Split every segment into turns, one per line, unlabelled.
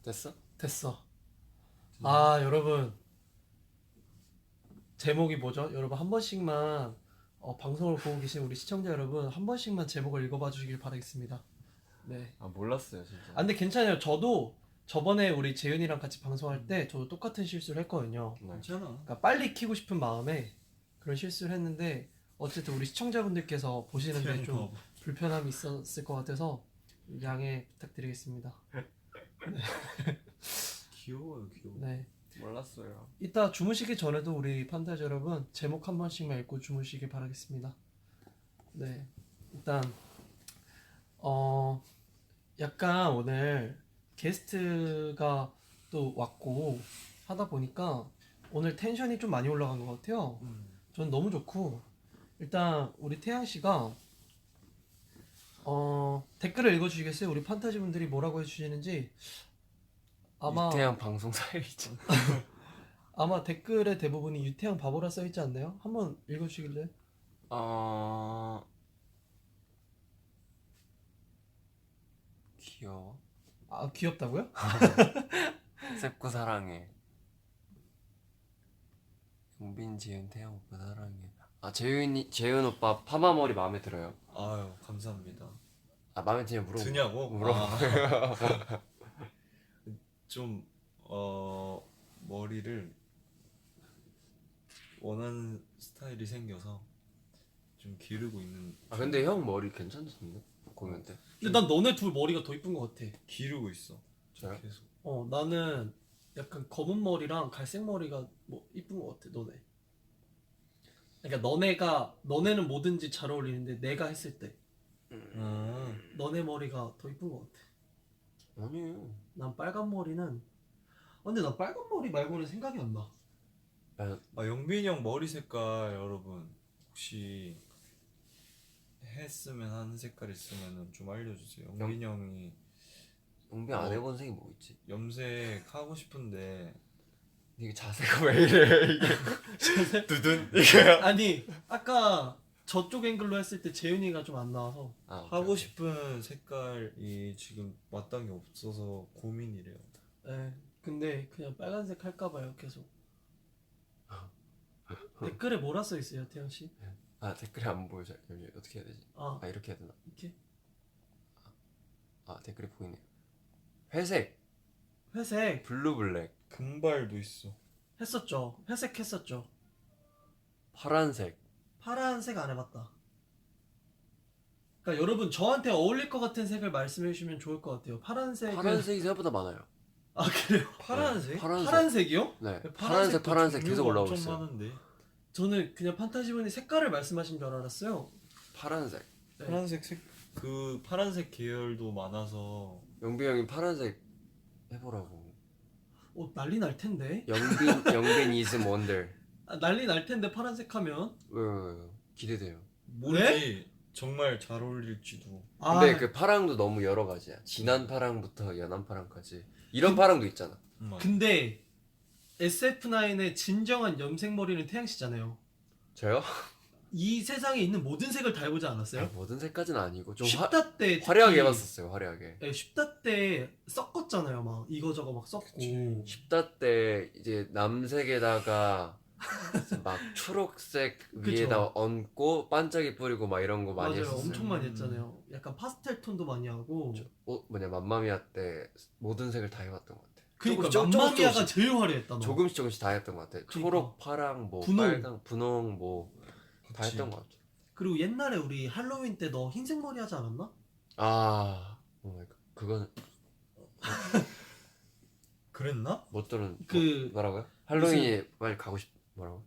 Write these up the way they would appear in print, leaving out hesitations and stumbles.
됐어?
됐어. 아 여러분 제목이 뭐죠? 여러분 한 번씩만 방송을 보고 계신 우리 시청자 여러분 한 번씩만 제목을 읽어봐 주시길 바라겠습니다. 네.
아 몰랐어요 진짜.
아 근데 괜찮아요. 저도 저번에 우리 재윤이랑 같이 방송할 때 저도 똑같은 실수를 했거든요.
네.
괜찮아.
그러니까 빨리 키고 싶은 마음에 그런 실수를 했는데 어쨌든 우리 시청자분들께서 보시는데 좀 불편함이 있었을 것 같아서 양해 부탁드리겠습니다.
귀여워요, 귀여워.
네.
몰랐어요.
이따 주무시기 전에도 우리 판타지 여러분 제목 한 번씩만 읽고 주무시길 바라겠습니다. 네. 일단 약간 오늘 게스트가 또 왔고 하다 보니까 오늘 텐션이 좀 많이 올라간 것 같아요. 전 너무 좋고 일단 우리 태양 씨가 댓글을 읽어주시겠어요? 우리 판타지 분들이 뭐라고 해주시는지 아마
유태양 방송 사일이죠.
아마 댓글의 대부분이 유태양 바보라 써있지 않나요? 한번 읽어주시길래.
귀여워.
아 귀엽다고요?
셉고 사랑해. 용빈, 재윤, 태양 오빠 사랑해. 아 재윤 오빠 파마 머리 마음에 들어요.
아유, 감사합니다.
아 마음에 드냐 물어보.
드냐고?
물어봐.
좀 머리를 원하는 스타일이 생겨서 좀 기르고 있는.
아 근데 형 머리 괜찮던데? 공연 때.
근데 난 너네 둘 머리가 더 이쁜 것 같아.
기르고 있어.
저요?
계속.
나는 약간 검은 머리랑 갈색 머리가 뭐 이쁜 것 같아. 너네. 그러니까 너네는 뭐든지 잘 어울리는데 내가 했을 때 너네 머리가 더 이쁜 것 같아.
아니에요.
난 빨간 머리는 근데 난 빨간 머리 말고는 생각이 안 나.
아, 영빈이 형 머리 색깔 여러분 혹시 했으면 하는 색깔 있으면 좀 알려주세요. 영빈이 형이
용빈 안 해본 색이 뭐 있지?
염색 하고 싶은데
이게 자세가 왜 이래 이게. 두둔 이게.
아니 아까 저쪽 앵글로 했을 때 재윤이가 좀 안 나와서
아, 오케이,
하고
오케이.
싶은 색깔이 지금 마땅히 없어서 고민이래요.
근데 그냥 빨간색 할까봐요 계속. 댓글에 뭐라 써있어요 태양씨?
아 댓글이 안 보여. 잠시 어떻게 해야 되지?
아
아 이렇게 해야 되나?
이렇게?
아 댓글이 보이네요. 회색,
회색
블루 블랙,
금발도 있어.
했었죠. 회색 했었죠.
파란색.
파란색 안 해봤다. 그러니까 여러분 저한테 어울릴 것 같은 색을 말씀해 주시면 좋을 것 같아요. 파란색은
파란색이 생각보다 많아요.
아 그래요?
파란색?
네, 파란색.
파란색이요?
네.
파란색도
파란색 계속
종류가
올라오고
엄청
있어요.
많은데.
저는 그냥 판타지분이 색깔을 말씀하신 줄 알았어요.
파란색.
네.
그 파란색 계열도 많아서
영빈 형이 파란색 해보라고.
난리 날 텐데.
영빈 is wonder.
난리 날 텐데 파란색 하면.
왜 기대돼요.
모르지 정말 잘 어울릴지도.
근데 그 파랑도 너무 여러 가지야. 진한 파랑부터 연한 파랑까지. 이런 파랑도 있잖아.
근데 SF9의 진정한 염색머리는 태양씨잖아요.
저요?
이 세상에 있는 모든 색을 다 해보지 않았어요?
모든 색까지는 아니고 좀
쉽다 때
화려하게
특히-
해봤었어요. 화려하게.
네, 쉽다 때 섞었잖아요. 막 이거저거 막 섞고.
그치.
십다 때 이제 남색에다가 막 초록색
그쵸.
위에다 얹고 반짝이 뿌리고 막 이런 거 많이
맞아요.
했었어요.
엄청 많이 했잖아요. 약간 파스텔 톤도 많이 하고.
맘마미아 때 모든 색을 다 해봤던 것 같아.
그러니까
조금씩,
맘마미아가
조금씩.
제일 화려했다. 너.
조금씩 다 했던 것 같아. 초록, 파랑, 뭐
분홍.
빨강, 분홍 뭐 다
그치.
했던 것 같아.
그리고 옛날에 우리 할로윈 때 너 흰색 머리 하지 않았나?
아, 오 마이 갓. 그거는
그랬나?
못 들은.
그
뭐라고요? 할로윈이 빨리 가고 싶. 뭐라고?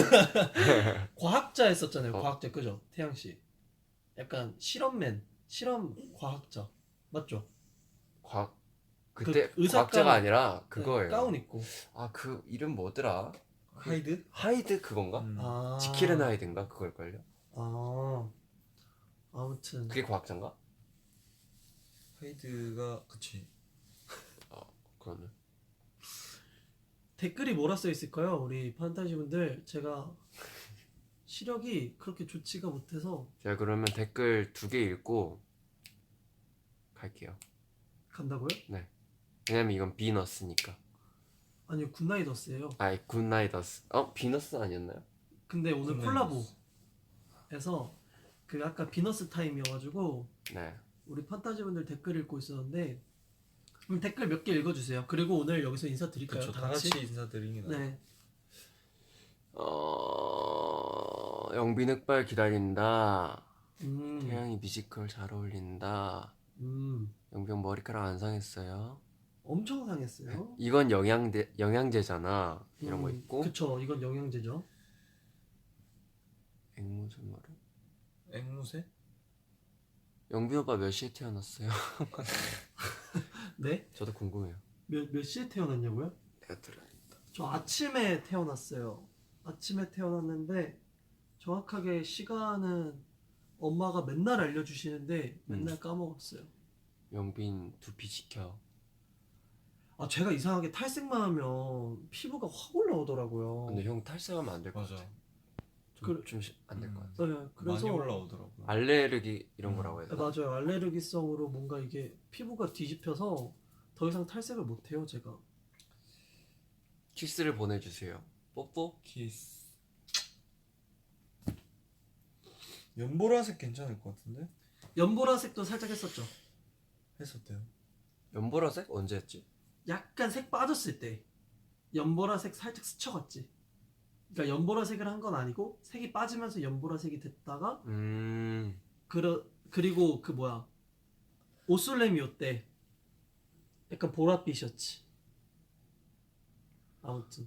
과학자 했었잖아요.
어.
과학자 그죠? 태양 씨. 약간 실험맨, 실험 과학자 맞죠?
과학 그때
그 의사
과학자가
가운.
아니라 그거예요.
네, 가운 입고.
아 그 이름 뭐더라?
하이드?
하이드 그건가?
아.
지킬앤 하이드인가 그걸걸요?
아무튼.
그게 과학자인가?
하이드가 그치.
그러네.
댓글이 뭐라 써 있을까요? 우리 판타지 분들 제가 시력이 그렇게 좋지가 못해서
제가 그러면 댓글 2개 읽고 갈게요.
간다고요?
네. 왜냐면 이건 비너스니까.
아니요, 굿나잇어스예요.
아이 굿나잇어스. 비너스 아니었나요?
근데 오늘
굿나잇어스.
콜라보에서 그 아까 비너스 타임이어가지고
네.
우리 판타지 분들 댓글 읽고 있었는데 그럼 댓글 몇 개 읽어주세요. 그리고 오늘 여기서 인사드릴까요?
그렇죠. 다 같이 인사드리긴 하죠.
네.
영빈 흑발 기다린다.
음.
태양이 뮤지컬 잘 어울린다.
음.
영병 머리카락 안 상했어요.
엄청 상했어요.
이건 영양제잖아. 이런 거 있고.
그쵸. 이건 영양제죠.
앵무새 머리.
앵무새?
영빈 오빠 몇 시에 태어났어요?
네?
저도 궁금해요.
몇 시에 태어났냐고요?
내가 들어야
저 아침에 태어났어요. 아침에 태어났는데 정확하게 시간은 엄마가 맨날 알려주시는데 맨날 까먹었어요.
영빈 두피 지켜.
아, 제가 이상하게 탈색만 하면 피부가 확 올라오더라고요.
근데 형 탈색하면 안 될 것
맞아.
같아.
그-
좀안 될 것 같아.
네, 그래서
많이 올라오더라고요.
알레르기 이런 거라고 해야
네,
되나?
맞아요. 알레르기성으로 뭔가 이게 피부가 뒤집혀서 더 이상 탈색을 못 해요, 제가.
키스를 보내주세요. 뽀뽀?
키스. 연보라색 괜찮을 것 같은데?
연보라색도 살짝 했었죠.
했었대요.
연보라색? 언제 했지?
약간 색 빠졌을 때 연보라색 살짝 스쳐갔지. 그러니까 연보라색을 한 건 아니고 색이 빠지면서 연보라색이 됐다가 그리고 그 뭐야 오솔레미오 때 약간 보랏빛이었지. 아무튼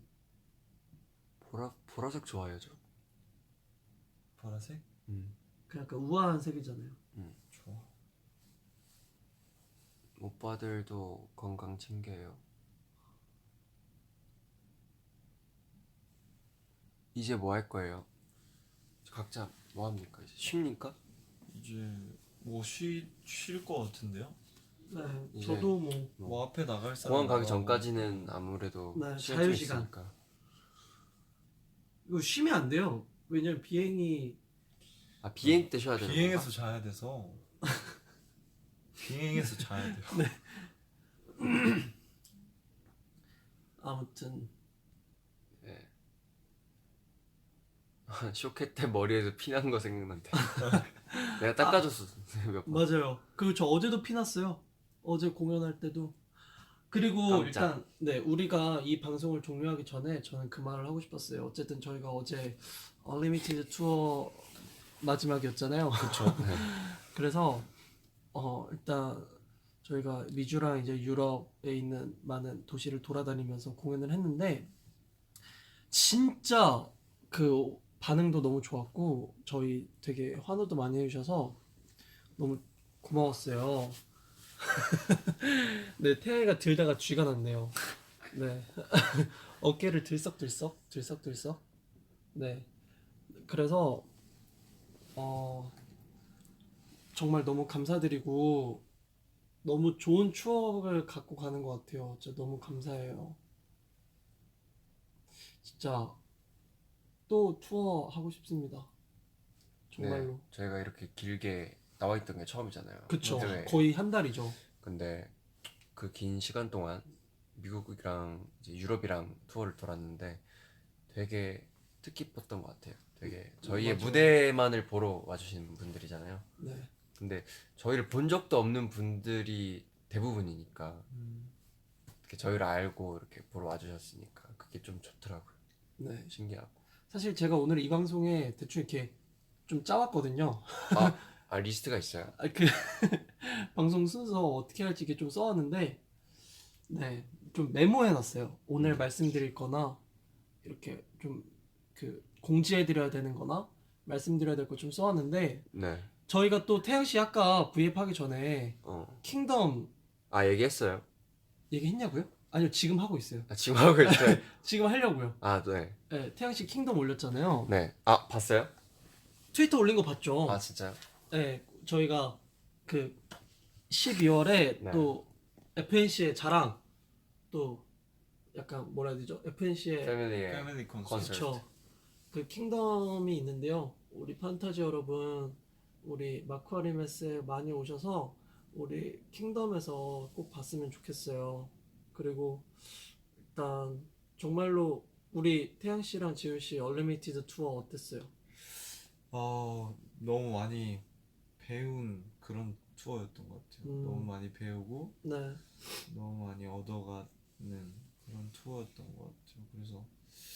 보라색 좋아해요 저.
보라색?
그 약간 우아한 색이잖아요.
좋아.
오빠들도 건강 챙겨요. 이제 뭐 할 거예요? 각자 뭐 합니까? 이제 쉽니까?
이제 뭐 쉴 것 같은데요?
네,
이제
저도 뭐
뭐 앞에 나갈 사람
공항 가기
나가고.
전까지는 아무래도
네,
시간 좀
자유시간.
있으니까.
이거 쉬면 안 돼요. 왜냐면 비행이
비행 때 쉬어야 되는
비행해서
건가?
자야 돼서 비행해서 자야 돼요.
아무튼
네. 쇼케 때 머리에서 피난 거 생각난대. 내가 닦아줬어 몇 번.
맞아요. 그리고 저 어제도 피났어요. 어제 공연할 때도. 그리고
깜짝.
일단 네 우리가 이 방송을 종료하기 전에 저는 그 말을 하고 싶었어요. 어쨌든 저희가 어제 언리미티드 투어 마지막이었잖아요.
그렇죠.
그래서 일단 저희가 미주랑 이제 유럽에 있는 많은 도시를 돌아다니면서 공연을 했는데 진짜 그 반응도 너무 좋았고 저희 되게 환호도 많이 해주셔서 너무 고마웠어요. 네, 태양이가 들다가 쥐가 났네요. 네, 어깨를 들썩들썩. 네, 그래서 정말 너무 감사드리고 너무 좋은 추억을 갖고 가는 것 같아요. 진짜 너무 감사해요. 진짜 또 투어 하고 싶습니다. 정말로.
네, 저희가 이렇게 길게 나와 있던 게 처음이잖아요.
그쵸.
네.
거의 한 달이죠.
근데 그 긴 시간 동안 미국이랑 이제 유럽이랑 투어를 돌았는데 되게 뜻깊었던 것 같아요. 되게 저희의
맞아요.
무대만을 보러 와주시는 분들이잖아요.
네.
근데 저희를 본 적도 없는 분들이 대부분이니까 이렇게 저희를 알고 이렇게 보러 와주셨으니까 그게 좀 좋더라고요.
네.
신기하고.
사실 제가 오늘 이 방송에 대충 이렇게 좀 짜왔거든요.
리스트가 있어요?
그 방송 순서 어떻게 할지 이렇게 좀 써왔는데, 네, 좀 메모해놨어요. 오늘 말씀드릴 거나, 이렇게 좀 그 공지해드려야 되는 거나, 말씀드려야 될 거 좀 써왔는데,
네.
저희가 또 태양씨 아까 V앱 하기 전에 킹덤
얘기했어요.
얘기했냐고요? 아니요, 지금 하고 있어요.
지금 하고 있어요.
지금 하려고요.
네.
네, 태양씨 킹덤 올렸잖아요.
네. 봤어요?
트위터 올린 거 봤죠?
진짜요?
네, 저희가 그 12월에
네.
또 FNC의 자랑 또 약간 뭐라 해야 되죠? FNC의
패밀리 콘서트.
그렇죠. 그 킹덤이 있는데요. 우리 판타지 여러분, 우리 마쿠아리메스에 많이 오셔서 우리 킹덤에서 꼭 봤으면 좋겠어요. 그리고 일단 정말로 우리 태양 씨랑 지훈 씨 얼리미티드 투어 어땠어요?
너무 많이 배운 그런 투어였던 것 같아요. 너무 많이 배우고
네.
너무 많이 얻어가는 그런 투어였던 것 같아요. 그래서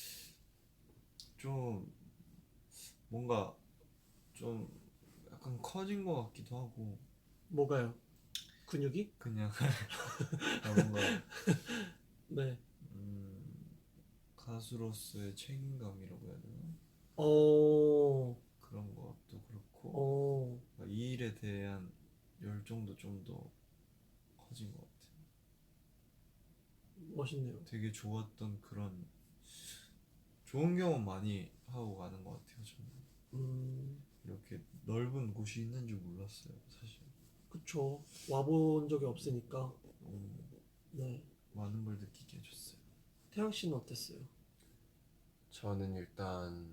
좀 뭔가 좀 약간 커진 것 같기도 하고
뭐가요? 근육이?
그냥 뭔가
네.
가수로서의 책임감이라고 해야 되나?
어,
그런 것도 그렇고
어,
이 일에 대한 열정도 좀 더 커진 것 같아요.
멋있네요.
되게 좋았던 그런 좋은 경험 많이 하고 가는 것 같아요. 저는 이렇게 넓은 곳이 있는 줄 몰랐어요, 사실.
그쵸. 와본 적이 없으니까.
너무
네.
많은 걸 느끼게 해줬어요.
태양 씨는 어땠어요?
저는 일단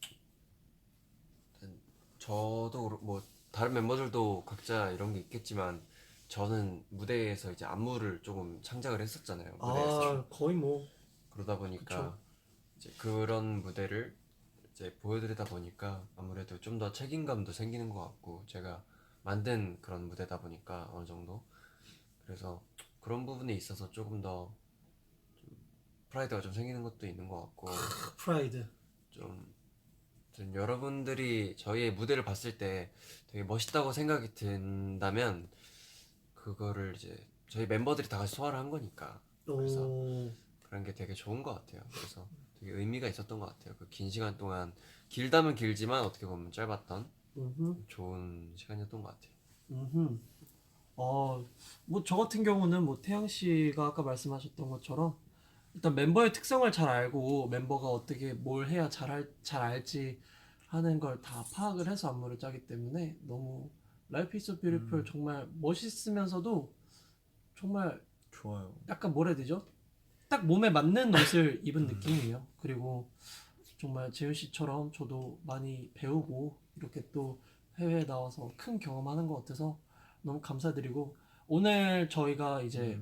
저도 뭐 다른 멤버들도 각자 이런 게 있겠지만 저는 무대에서 이제 안무를 조금 창작을 했었잖아요. 무대에서.
아, 거의 뭐.
그러다 보니까
그쵸.
이제 그런 무대를 이제 보여드리다 보니까 아무래도 좀 더 책임감도 생기는 것 같고 제가 만든 그런 무대다 보니까 어느 정도 그래서 그런 부분에 있어서 조금 더 프라이드가 좀 생기는 것도 있는 것 같고
프라이드.
좀 여러분들이 저희의 무대를 봤을 때 되게 멋있다고 생각이 든다면 그거를 이제 저희 멤버들이 다 같이 소화를 한 거니까 그래서
오,
그런 게 되게 좋은 것 같아요. 그래서 되게 의미가 있었던 것 같아요. 그 긴 시간 동안 길다면 길지만 어떻게 보면 짧았던 좋은 시간이었던 것 같아요.
음. 뭐 저 같은 경우는 뭐 태양 씨가 아까 말씀하셨던 것처럼 일단 멤버의 특성을 잘 알고 멤버가 어떻게 뭘 해야 잘 알지 하는 걸 다 파악을 해서 안무를 짜기 때문에 너무 Life is so beautiful 정말 멋있으면서도 정말
좋아요.
약간 뭐라 해야 되죠? 딱 몸에 맞는 옷을 입은 느낌이에요. 그리고 정말 재윤 씨처럼 저도 많이 배우고 이렇게 또 해외에 나와서 큰 경험하는 것 같아서 너무 감사드리고 오늘 저희가 이제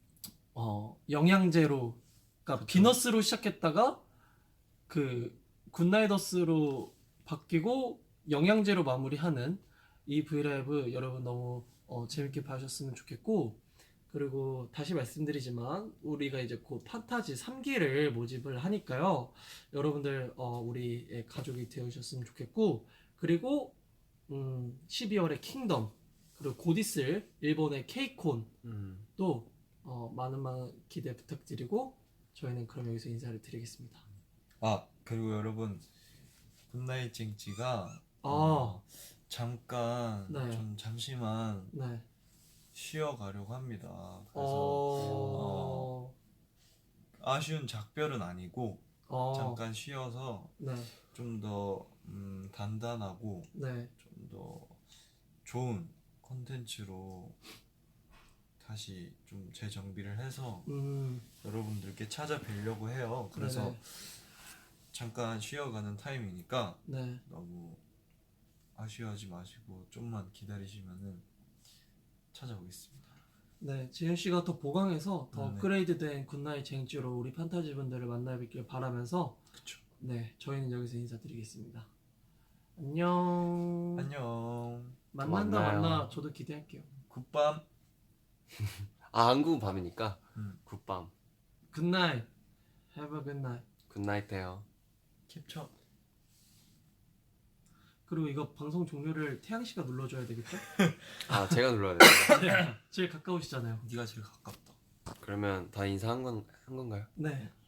영양제로 그러니까 비너스로 시작했다가 그 굿나이더스로 바뀌고 영양제로 마무리하는 이 브이라이브 여러분 너무 재밌게 봐주셨으면 좋겠고 그리고 다시 말씀드리지만 우리가 이제 곧 판타지 3기를 모집을 하니까요 여러분들 우리의 가족이 되어주셨으면 좋겠고 그리고 12월에 킹덤 그리고 곧 있을 일본의 케이콘 또 많은 기대 부탁드리고 저희는 그럼 여기서 인사를 드리겠습니다.
그리고 여러분 굿나잇 찡찌가
아.
잠깐
네.
좀 잠시만
네.
쉬어가려고 합니다. 그래서 아쉬운 작별은 아니고 잠깐 쉬어서
네.
좀 더 단단하고
네.
좀 더 좋은 컨텐츠로 다시 좀 재정비를 해서 여러분들께 찾아뵈려고 해요. 그래서
네네.
잠깐 쉬어가는 타임이니까
네.
너무 아쉬워하지 마시고 좀만 기다리시면은 찾아오겠습니다.
네, 지현 씨가 더 보강해서 더
네.
업그레이드된 굿나잇 쟁취로 우리 판타지 분들을 만나뵙길 바라면서
그쵸.
네, 저희는 여기서 인사드리겠습니다. 안녕.
안녕.
만난다
만나요.
만나. 저도 기대할게요.
굿밤.
한국은 밤이니까
음.
굿밤
굿나잇. Have a good night.
굿나잇 돼요.
캡처.
그리고 이거 방송 종료를 태양 씨가 눌러줘야 되겠죠?
제가 눌러야 돼요.
제일 가까우시잖아요.
네가 제일 가깝다.
그러면 다 인사한 건가요?
네.